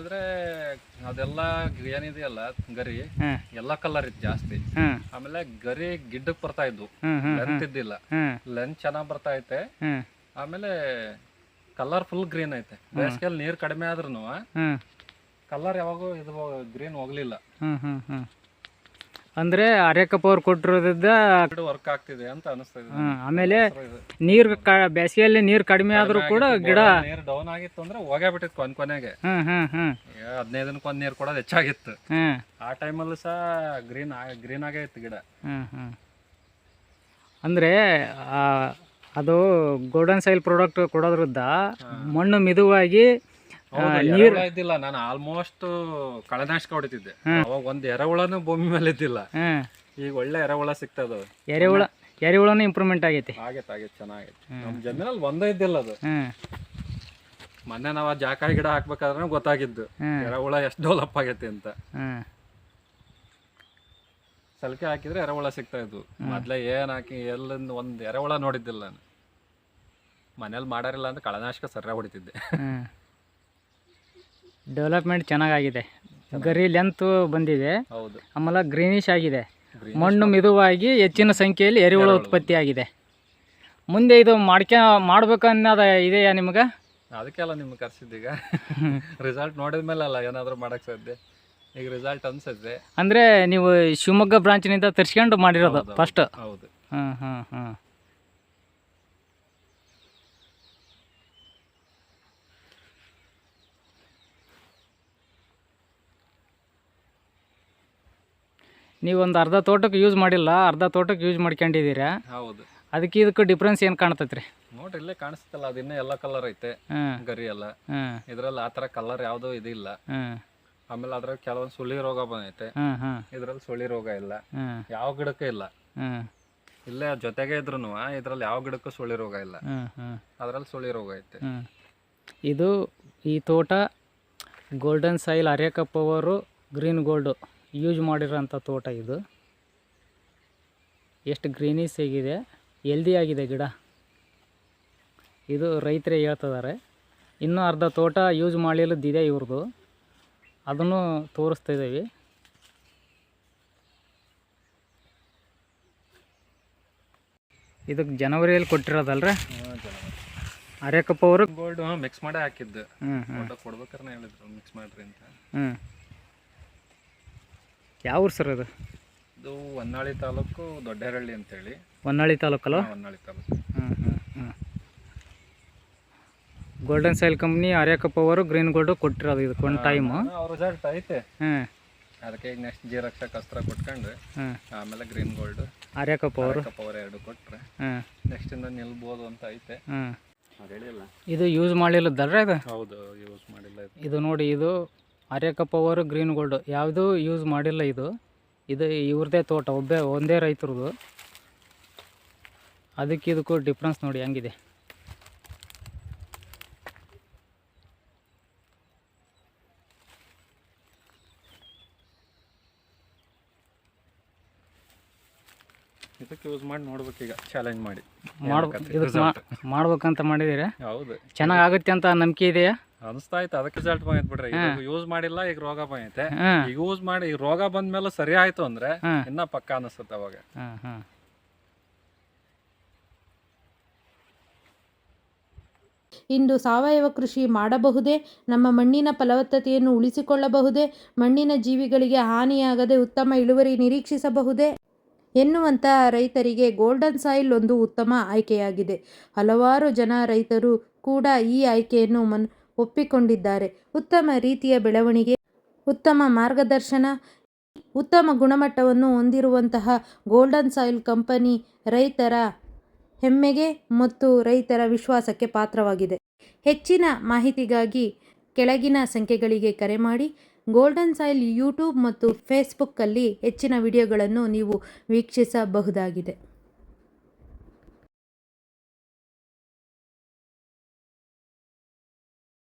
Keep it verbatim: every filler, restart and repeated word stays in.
ಅಂದ್ರೆ ಅದೆಲ್ಲ ಏನಿದೆಯಲ್ಲ ಗರಿ ಹಾಂ ಎಲ್ಲ ಕಲರ್ ಇತ್ತು ಜಾಸ್ತಿ. ಹಾಂ ಆಮೇಲೆ ಗರಿ ಗಿಡ್ಡಕ್ ಬರ್ತಾ ಇದ್ವು, ಹ್ಞೂ ಹ್ಞೂ ಲೆಂತ್ ಇದ್ದಿಲ್ಲ. ಹ್ಞೂ ಲೆಂತ್ ಚೆನ್ನಾಗ್ ಬರ್ತಾ ಐತೆ. ಹ್ಞೂ ಆಮೇಲೆ ಕಲರ್ ಫುಲ್ ಗ್ರೀನ್ ಐತೆ. ಬೇಸಿಗೆಯಲ್ಲಿ ನೀರ್ ಕಡಿಮೆ ಆದ್ರೂ ಹ್ಞೂ ಕಲರ್ ಯಾವಾಗೂ ಇದು ಗ್ರೀನ್ ಹೋಗ್ಲಿಲ್ಲ. ಹ್ಞೂ ಹ್ಞೂ ಹ್ಞೂ ಅಂದರೆ ಅರೇಕಪ್ಪ ಅವ್ರು ಕೊಟ್ಟಿರೋದ್ರಿಂದ ವರ್ಕ್ ಆಗ್ತಿದೆ ಅಂತ ಅನಿಸ್ತಾ ಇದೆ. ಹ್ಞೂ ಆಮೇಲೆ ನೀರು ಕ ಬೇಸಿಗೆಯಲ್ಲಿ ನೀರು ಕಡಿಮೆ ಆದರೂ ಕೂಡ ಗಿಡ ನೀರು ಡೌನ್ ಆಗಿತ್ತು ಅಂದ್ರೆ ಹೋಗೇ ಬಿಟ್ಟಿತ್ತು ಕೊನೆ ಕೊನೆಗೆ. ಹ್ಞೂ ಹ್ಞೂ ಹ್ಞೂ ಹದಿನೈದು ದಿನಕ್ಕೆ ಒಂದು ನೀರು ಕೊಡೋದು ಹೆಚ್ಚಾಗಿತ್ತು. ಹ್ಞೂ ಆ ಟೈಮಲ್ಲೂ ಸಹ ಗ್ರೀನ್ ಗ್ರೀನ್ ಆಗೇ ಇತ್ತು ಗಿಡ. ಹ್ಞೂ ಹ್ಞೂ ಅಂದರೆ ಅದು ಗೋಲ್ಡನ್ ಸಾಯಿಲ್ ಪ್ರಾಡಕ್ಟ್ ಕೊಡೋದ್ರಿಂದ ಮಣ್ಣು ಮಿದುವಾಗಿ ನೀರು ಇದ್ದಿಲ್ಲ. ನಾನು ಆಲ್ಮೋಸ್ಟ್ ಕಳೆನಾಶಕ ಹೊಡಿತಿದ್ದೆ ಅವಾಗ. ಒಂದು ಎರೆಹುಳನು ಭೂಮಿ ಮೇಲೆ ಇದ್ದಿಲ್ಲ. ಈಗ ಒಳ್ಳೆ ಎರೆಹುಳ ಸಿಗ್ತದ. ಎರೆಹುಳ ಎರೆಹುಳನು ಇಂಪ್ರೂವ್ಮೆಂಟ್ ಆಗೈತಿ. ಆಗೈತೆ ಆಗೈತೆ ಚೆನ್ನಾಗೈತೆ. ನಮ್ಮ ಜಮೀನಲ್ಲಿ ಒಂದೇ ಇದ್ದಿಲ್ಲ ಅದು. ಮೊನ್ನೆ ನಾವು ಜಾಕಾಯಿ ಗಿಡ ಹಾಕ್ಬೇಕಾದ್ರೆ ಗೊತ್ತಾಗಿದ್ದು ಎರೆಹುಳ ಎಷ್ಟು ಡೆವಲಪ್ ಆಗೈತಿ ಅಂತ. ಸಲಿಕೆ ಹಾಕಿದ್ರೆ ಎರೆಹುಳ ಸಿಗ್ತಾ ಇದ್ವು. ಮೊದ್ಲೇ ಏನ್ ಹಾಕಿ ಎಲ್ಲಿಂದ ಒಂದ್ ಎರೆಹುಳ ನೋಡಿದ್ದಿಲ್ಲ ನಾನು. ಮನೇಲಿ ಮಾಡಾರಿಲ್ಲ ಅಂತ ಕಳೆನಾಶಕ ಸರಿಯಾಗಿ ಹೊಡಿತಿದ್ದೆ. ಡೆವಲಪ್ಮೆಂಟ್ ಚೆನ್ನಾಗಿದೆ. ಗರಿ ಲೆಂತ್ ಬಂದಿದೆ. ಹೌದು. ಆಮೇಲೆ ಗ್ರೀನಿಶ್ ಆಗಿದೆ. ಮಣ್ಣು ಮಿದುವಾಗಿ ಹೆಚ್ಚಿನ ಸಂಖ್ಯೆಯಲ್ಲಿ ಎರೆಹುಳ ಉತ್ಪತ್ತಿ ಆಗಿದೆ. ಮುಂದೆ ಇದು ಮಾಡ್ಕ ಮಾಡ್ಬೇಕನ್ನೋದ ಇದೆಯಾ ನಿಮ್ಗೆ? ಅದಕ್ಕೆಲ್ಲ ನಿಮ್ಗೆ ಕರ್ಸಿದ್ದೀಗ. ರಿಸಲ್ಟ್ ನೋಡಿದ ಮೇಲೆ ಅಲ್ಲ ಏನಾದರೂ ಮಾಡಕ್ಕೆ ಸಾಧ್ಯ. ಈಗ ರಿಸಲ್ಟ್ ಅನ್ಸುತ್ತೆ. ಅಂದರೆ ನೀವು ಶಿವಮೊಗ್ಗ ಬ್ರಾಂಚಿನಿಂದ ತರಿಸ್ಕೊಂಡು ಮಾಡಿರೋದು ಫಸ್ಟ್? ಹೌದು. ಹ್ಞೂ ಹ್ಞೂ ಹ್ಞೂ ನೀವೊಂದು ಅರ್ಧ ತೋಟಕ್ಕೆ ಯೂಸ್ ಮಾಡಿಲ್ಲ, ಅರ್ಧ ತೋಟಕ್ಕೆ ಯೂಸ್ ಮಾಡ್ಕೊಂಡಿದ್ದೀರಾ. ಹೌದು. ಅದಕ್ಕೆ ಇದಕ್ಕೆ ಡಿಫ್ರೆನ್ಸ್ ಏನು ಕಾಣ್ತೈತ್ರಿ? ನೋಡ್ರಿ ಇಲ್ಲೇ ಕಾಣಿಸ್ತಲ್ಲ, ಅದು ಇನ್ನೂ ಎಲ್ಲ ಕಲರ್ ಐತೆ ಗರಿ ಎಲ್ಲ. ಇದ್ರಲ್ಲಿ ಆ ಥರ ಕಲರ್ ಯಾವುದೂ ಇದಿಲ್ಲ. ಆಮೇಲೆ ಅದ್ರಾಗ ಕೆಲವೊಂದು ಸುಳಿ ರೋಗ ಬಂದೈತೆ. ಇದ್ರಲ್ಲಿ ಸುಳಿ ರೋಗ ಇಲ್ಲ, ಯಾವ ಗಿಡಕ್ಕೂ ಇಲ್ಲ. ಇಲ್ಲೇ ಜೊತೆಗೆ ಇದ್ರು ಇದ್ರಲ್ಲಿ ಯಾವ ಗಿಡಕ್ಕೂ ಸುಳಿ ರೋಗ ಇಲ್ಲ. ಅದ್ರಲ್ಲಿ ಸುಳಿ ರೋಗ ಐತೆ. ಇದು ಈ ತೋಟ ಗೋಲ್ಡನ್ ಸಾಯಿಲ್ ಅರೇಕಪ್ಪ ಅವರು ಗ್ರೀನ್ ಗೋಲ್ಡು ಯೂಸ್ ಮಾಡಿರೋಂಥ ತೋಟ. ಇದು ಎಷ್ಟು ಗ್ರೀನಿಸ್ ಆಗಿದೆ, ಹೆಲ್ದಿ ಆಗಿದೆ ಗಿಡ. ಇದು ರೈತರೇ ಹೇಳ್ತಿದ್ದಾರೆ. ಇನ್ನೂ ಅರ್ಧ ತೋಟ ಯೂಸ್ ಮಾಡಲಿಲ್ಲದಿದೆ ಇವ್ರದ್ದು, ಅದನ್ನು ತೋರಿಸ್ತಾ ಇದ್ದೀವಿ. ಇದಕ್ಕೆ ಜನವರಿಯಲ್ಲಿ ಕೊಟ್ಟಿರೋದಲ್ರಿ ಅರೇಕಪ್ಪ ಅವರು ಗೋಲ್ಡ್ ಮಿಕ್ಸ್ ಮಾಡೇ ಹಾಕಿದ್ದು. ಕೊಡ್ಬೇಕಾರೆ ಹೇಳಿದ್ರು ಮಿಕ್ಸ್ ಮಾಡ್ರಿ ಅಂತ. ಹ್ಞೂ ಯಾವ ಊರು ಸರ್ ಅದು? ಇದು ಹೊನ್ನಾಳಿ ತಾಲೂಕು ದೊಡ್ಡೇರಳ್ಳಿ ಅಂತೇಳಿ. ಹೊನ್ನಾಳಿ ತಾಲೂಕಲ್ಲ? ಹೊನ್ನಾಳಿ ತಾಲೂಕು. ಹ್ಞೂ ಹ್ಞೂ ಹ್ಞೂ ಗೋಲ್ಡನ್ ಸಾಯಿಲ್ ಕಂಪ್ನಿ ಅರೇಕಪ್ಪ ಅವರು ಗ್ರೀನ್ ಗೋಲ್ಡು ಕೊಟ್ಟಿರೋದು ಇದಕ್ಕೆ ಒಂದು ಟೈಮು. ಅವ್ರ ರಿಸಲ್ಟ್ ಐತೆ. ಹ್ಞೂ ಅದಕ್ಕೆ ಈಗ ನೆಕ್ಸ್ಟ್ ಜಿ ರಕ್ಷಕ್ ಅಸ್ತ್ರ ಕೊಟ್ಕೊಂಡ್ರೆ ಹ್ಞೂ ಆಮೇಲೆ ಗ್ರೀನ್ ಗೋಲ್ಡ್ ಅರೇಕಪ್ಪ ಅವರು ಅವರು ಎರಡು ಕೊಟ್ಟರೆ ಹ್ಞೂ ನೆಕ್ಸ್ಟ್ ಇಂದ ನಿಲ್ಬೋದು ಅಂತ ಐತೆ. ಹ್ಞೂ ಹೇಳಿಲ್ಲ. ಇದು ಯೂಸ್ ಮಾಡಲಿಲ್ಲದಲ್ರಿ ಇದು? ಹೌದು, ಯೂಸ್ ಮಾಡಿಲ್ಲ. ಇದು ನೋಡಿ, ಇದು ಅರೇಕಪ್ಪ ಅವರು ಗ್ರೀನ್ ಗೋಲ್ಡು ಯಾವುದೂ ಯೂಸ್ ಮಾಡಿಲ್ಲ. ಇದು ಇದು ಇವ್ರದ್ದೇ ತೋಟ, ಒಬ್ಬೇ ಒಂದೇ ರೈತರದು. ಅದಕ್ಕೆ ಇದಕ್ಕೂ ಡಿಫ್ರೆನ್ಸ್ ನೋಡಿ ಹೆಂಗಿದೆ. ಇದಕ್ಕೆ ಯೂಸ್ ಮಾಡಿ ನೋಡ್ಬೇಕು ಈಗ, ಚಾಲೆಂಜ್ ಮಾಡಿ ಮಾಡ್ಬೇಕು. ಇದಕ್ಕೆ ಮಾಡ್ಬೇಕಂತ ಮಾಡಿದ್ದೀರಾ? ಹೌದು. ಚೆನ್ನಾಗುತ್ತೆ ಅಂತ ನಂಬಿಕೆ ಇದೆಯಾ? ಅನಿಸ್ತಾ ಐತೆ. ಅದಕ್ಕೆ ರಿಸಲ್ಟ್ ಬಂದೈತೆ ಬಿಡ್ರಿ. ಯೂಸ್ ಮಾಡಿಲ್ಲ, ಈಗ ರೋಗ ಬಂದೈತೆ. ಈಗ ಯೂಸ್ ಮಾಡಿ ಈಗ ರೋಗ ಬಂದ್ಮೇಲೆ ಸರಿ ಆಯ್ತು ಅಂದ್ರೆ ಇನ್ನ ಪಕ್ಕ ಅನಿಸುತ್ತೆ ಅವಾಗ. ಇಂದು ಸಾವಯವ ಕೃಷಿ ಮಾಡಬಹುದೇ? ನಮ್ಮ ಮಣ್ಣಿನ ಫಲವತ್ತತೆಯನ್ನು ಉಳಿಸಿಕೊಳ್ಳಬಹುದೇ? ಮಣ್ಣಿನ ಜೀವಿಗಳಿಗೆ ಹಾನಿಯಾಗದೆ ಉತ್ತಮ ಇಳುವರಿ ನಿರೀಕ್ಷಿಸಬಹುದೇ ಎನ್ನುವಂಥ ರೈತರಿಗೆ ಗೋಲ್ಡನ್ ಸಾಯಿಲ್ ಒಂದು ಉತ್ತಮ ಆಯ್ಕೆಯಾಗಿದೆ. ಹಲವಾರು ಜನ ರೈತರು ಕೂಡ ಈ ಆಯ್ಕೆಯನ್ನು ಮನ್ ಒಪ್ಪಿಕೊಂಡಿದ್ದಾರೆ. ಉತ್ತಮ ರೀತಿಯ ಬೆಳವಣಿಗೆ, ಉತ್ತಮ ಮಾರ್ಗದರ್ಶನ, ಉತ್ತಮ ಗುಣಮಟ್ಟವನ್ನು ಹೊಂದಿರುವಂತಹ ಗೋಲ್ಡನ್ ಸಾಯಿಲ್ ಕಂಪನಿ ರೈತರ ಹೆಮ್ಮೆಗೆ ಮತ್ತು ರೈತರ ವಿಶ್ವಾಸಕ್ಕೆ ಪಾತ್ರವಾಗಿದೆ. ಹೆಚ್ಚಿನ ಮಾಹಿತಿಗಾಗಿ ಕೆಳಗಿನ ಸಂಖ್ಯೆಗಳಿಗೆ ಕರೆ ಮಾಡಿ. ಗೋಲ್ಡನ್ ಸಾಯಿಲ್ ಯೂಟ್ಯೂಬ್ ಮತ್ತು ಫೇಸ್ಬುಕ್ಕಲ್ಲಿ ಹೆಚ್ಚಿನ ವಿಡಿಯೋಗಳನ್ನು ನೀವು ವೀಕ್ಷಿಸಬಹುದಾಗಿದೆ.